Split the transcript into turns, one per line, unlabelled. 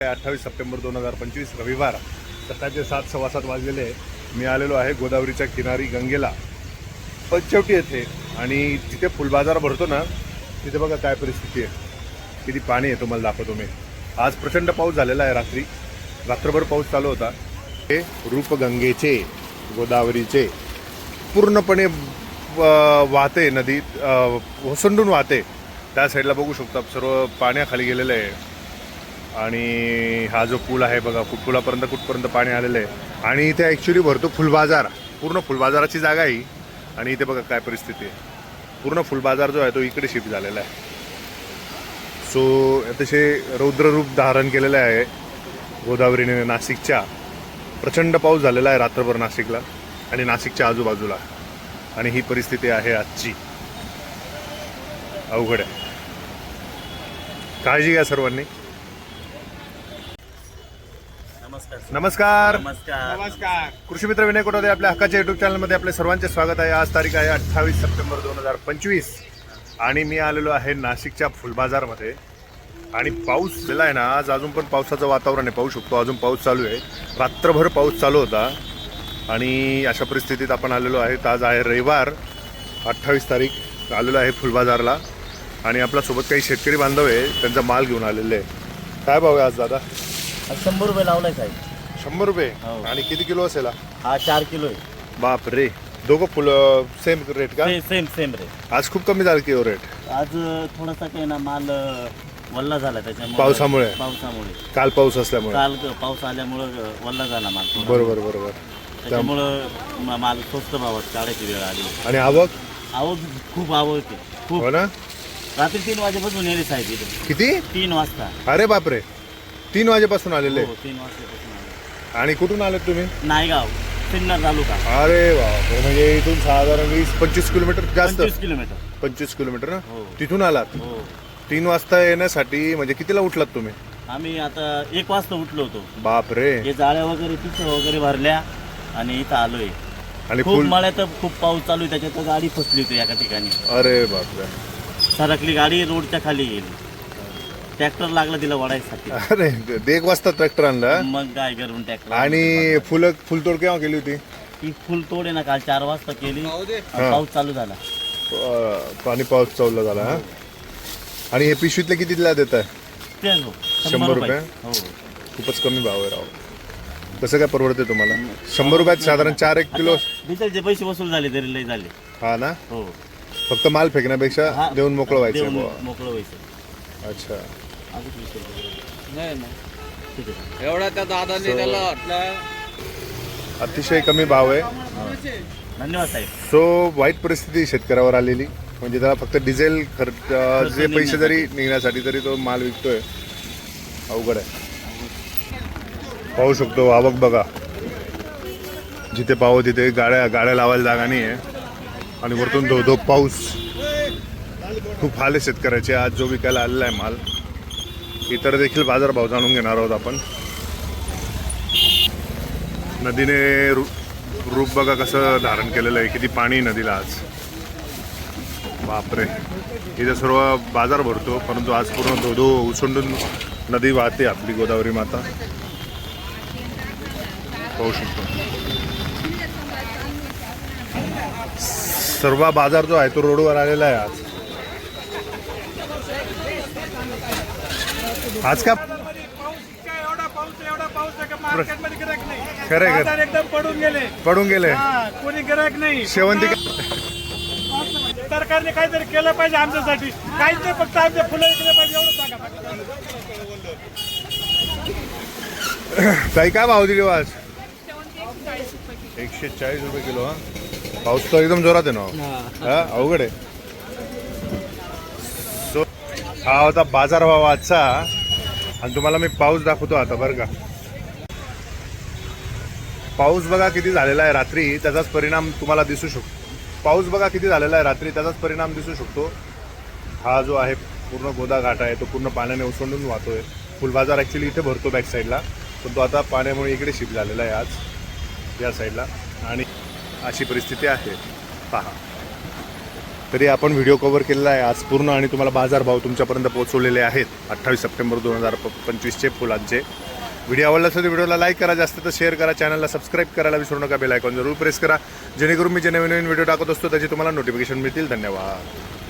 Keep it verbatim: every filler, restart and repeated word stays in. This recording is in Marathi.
अठ्ठावीस सप्टेंबर दोन हजार पंचवीस रविवार सकाळचे सात सव्वा सात वाजलेले आहे. मी आलेलो आहे गोदावरीच्या किनारी गंगेला पंचवटी येथे आणि जिथे फुलबाजार भरतो ना तिथे बघा काय परिस्थिती आहे, किती पाणी आहे तुम्हाला दाखवतो मी. आज प्रचंड पाऊस झालेला आहे, रात्री रात्रभर पाऊस चालू होता. हे रूपगंगेचे गोदावरीचे पूर्णपणे वाहते नदीत ओसंडून वाहते. त्या साईडला बघू शकता सर्व पाण्याखाली गेलेलं आहे आणि हा जो पूल आहे बघा पुलापर्यंत कुठपर्यंत पाणी आलेलं आहे. आणि इथे ॲक्च्युली भरतो फुलबाजार, पूर्ण फुलबाजाराची जागा आहे. आणि इथे बघा काय परिस्थिती आहे, पूर्ण फुलबाजार जो आहे तो इकडे शिफ्ट झालेला आहे. सो अतिशय रौद्ररूप धारण केलेलं आहे गोदावरीने. नाशिकच्या प्रचंड पाऊस झालेला आहे रात्रभर नाशिकला आणि नाशिकच्या आजूबाजूला, आणि ही परिस्थिती आहे आजची. अवघड आहे, काळजी घ्या सर्वांनी. नमस्कार
नमस्कार
नमस्कार.
कृषी मित्र विनय कोटादे आपल्या हक्काच्या युट्यूब चॅनलमध्ये आपले सर्वांचे स्वागत आहे. आज तारीख आहे अठ्ठावीस सप्टेंबर दोन हजार पंचवीस आणि मी आलेलो आहे नाशिकच्या फुलबाजारमध्ये. आणि पाऊस झाला आहे ना आज, अजून पण पावसाचं वातावरण आहे, पाहू शकतो अजून पाऊस चालू आहे. रात्रभर पाऊस चालू होता आणि अशा परिस्थितीत आपण आलेलो आहे. आज आहे रविवार अठ्ठावीस तारीख, आलेलो आहे फुलबाजारला आणि आपल्यासोबत काही शेतकरी बांधव आहे, त्यांचा माल घेऊन आलेले आहे. काय भाव आहे आज दादा?
शंभर रुपये लावलाय साहेब.
शंभर रुपये.
हो.
आणि किती किलो असेल?
हा चार किलो आहे.
बाप रे, दोघं फुलं सेम रेट का?
सेम सेम रे.
आज खूप कमी झालं की रेट?
आज थोडासा काही ना माल वल्ला झाला त्याच्यामुळे,
पावसामुळे
पावसामुळे
काल पाऊस असल्यामुळे.
काल पाऊस आल्यामुळं वल्ला झाला माल थोडा.
बरोबर बरोबर.
त्याच्यामुळं मा- माल स्वस्त भावात काढायची वेळ आली.
आणि आवक?
आवक खूप आवक आहे खूप.
हो ना.
रात्री तीन वाजेपासून येणे साहेब इथे.
किती?
तीन वाजता.
अरे बापरे, तीन वाजेपासून आलेले.
हो, तीन वाजतापासून आले.
आणि कुठून आले तुम्ही?
नायगाव सिन्नर तालुका.
अरे बापरे, म्हणजे इथून साधारण वीस पंचवीस किलोमीटर जास्त.
पंचवीस किलोमीटर.
पंचवीस किलोमीटर ना.
हो.
तिथून आलात
हो.
तीन वाजता येण्यासाठी? म्हणजे कितीला उठलात तुम्ही?
आम्ही आता एक वाजता उठलो होतो.
बाप रे.
हे जाळ्या वगैरे पिशव्या वगैरे भरल्या आणि इथं आलोय.
आणि
खूप
फुल
मळ्यात खूप पाऊस चालू आहे, त्याच्यात गाडी फसली होती एका ठिकाणी.
अरे बापरे.
सरकली गाडी, रोडच्या खाली गेली. ट्रॅक्टर लागला तिला वडायसाठी.
अरे एक वाजता ट्रॅक्टर आणला.
मग काय करून ट्रॅक्टर.
आणि फुलं फुलतोड केव्हा केली होती?
ती फुल तोड आहे ना काल चार वाजता केली. आणि पाऊस चालू झाला.
अं, पाणी पाऊस चालू झाला. हा. आणि हे पिशवीतले कितीला देत आहे?
तेच हो,
शंभर रुपये?
हो.
खूपच कमी भाव आहे राव. कसं काय परवडते तुम्हाला? शंभर रुपयात साधारण चार एक किलो.
डिझेलचे पैसे वसूल झाले तरी लय झाले.
हा ना.
हो.
फक्त माल फेकण्यापेक्षा
हा,
देऊन मोकळं व्हायचं
देऊन
बुवा.
मोकळं व्हायचं.
अच्छा.
अजून वीस रुपये.
नाही ना,
ठीक आहे.
एवढा त्या दादाने त्याला वाटलं.
अतिशय कमी भाव आहे.
धन्यवाद साहेब.
सो वाईट परिस्थिती शेतकऱ्यावर आलेली. म्हणजे त्याला फक्त डिझेल खर्च जे पैसे जरी निघण्यासाठी तरी तो माल विकतोय. अवघड आहे. पाहू शकतो आवक बघा, जिथे पाहू तिथे गाड्या गाड्या लावायला जागा नाही आहे. आणि वरतून धो धो पाऊस. खूप हाल आहे शेतकऱ्याचे. आज जो विकायला आलेला आहे माल, इतर देखील बाजारभाव जाणून घेणार आहोत आपण. नदीने रू रूप बघा कसं धारण केलेलं आहे, किती पाणी नदीला आज. बापरे. इथे सर्व बाजार भरतो, परंतु आज पूर्ण धोधो उसंडून नदी वाहते आपली गोदावरी माता. पाहू शकतो सर्व बाजार जो आहे तो रोडवर आलेला आहे आज. आज का
एवढा पाऊस एवढा पाऊस आहे का मार्केटमध्ये गिराईक नाही.
खरं आहे,
बाजार एकदम पडून गेले.
पडून गेले.
हा, कोणी गिराईक नाही.
शेवंती
सरकारने काहीतरी केलं पाहिजे आमच्यासाठी. काहीच नाही, फक्त आमच्या फुलं इकडे पाहिजे एवढं सांगा.
ताई काय भाव दिली आज? एकशे चाळीस रुपये किलो. हा, पाऊस तर एकदम जोरात आहे ना. हा, अवघड आहे. सो हा होता बाजार भाव आजचा. आणि तुम्हाला मी पाऊस दाखवतो आता बरं का. पाऊस बघा किती झालेला आहे रात्री, त्याचाच परिणाम तुम्हाला दिसू शकतो. पाऊस बघा किती झालेला आहे रात्री, त्याचाच परिणाम दिसू शकतो. हा जो आहे पूर्ण गोदा घाट आहे तो पूर्ण पाण्याने ओसंडून वाहतोय. फुलबाजार ॲक्च्युली इथे भरतो बॅक साईडला, पण तो आता पाण्यामुळे इकडे शिफ्ट झालेला आहे आज या साईडला. आणि अशी परिस्थिती आहे पहा. तरी आपण व्हिडिओ कव्हर केलेला आहे आज पूर्ण आणि तुम्हाला बाजारभाव तुमच्यापर्यंत पोहोचवलेले आहेत अठ्ठावीस सप्टेंबर दोन हजार पंचवीसचे फुलांचे. व्हिडिओ आवडला असेल तर व्हिडिओला लाईक करा, जास्त तर शेअर करा, चॅनलला सबस्क्राईब करायला विसरू नका, बेल आयकॉन जरूर प्रेस करा जेणेकरून मी जे नवीन नवीन व्हिडिओ टाकत असतो त्याचे तुम्हाला नोटिफिकेशन मिळतील. धन्यवाद.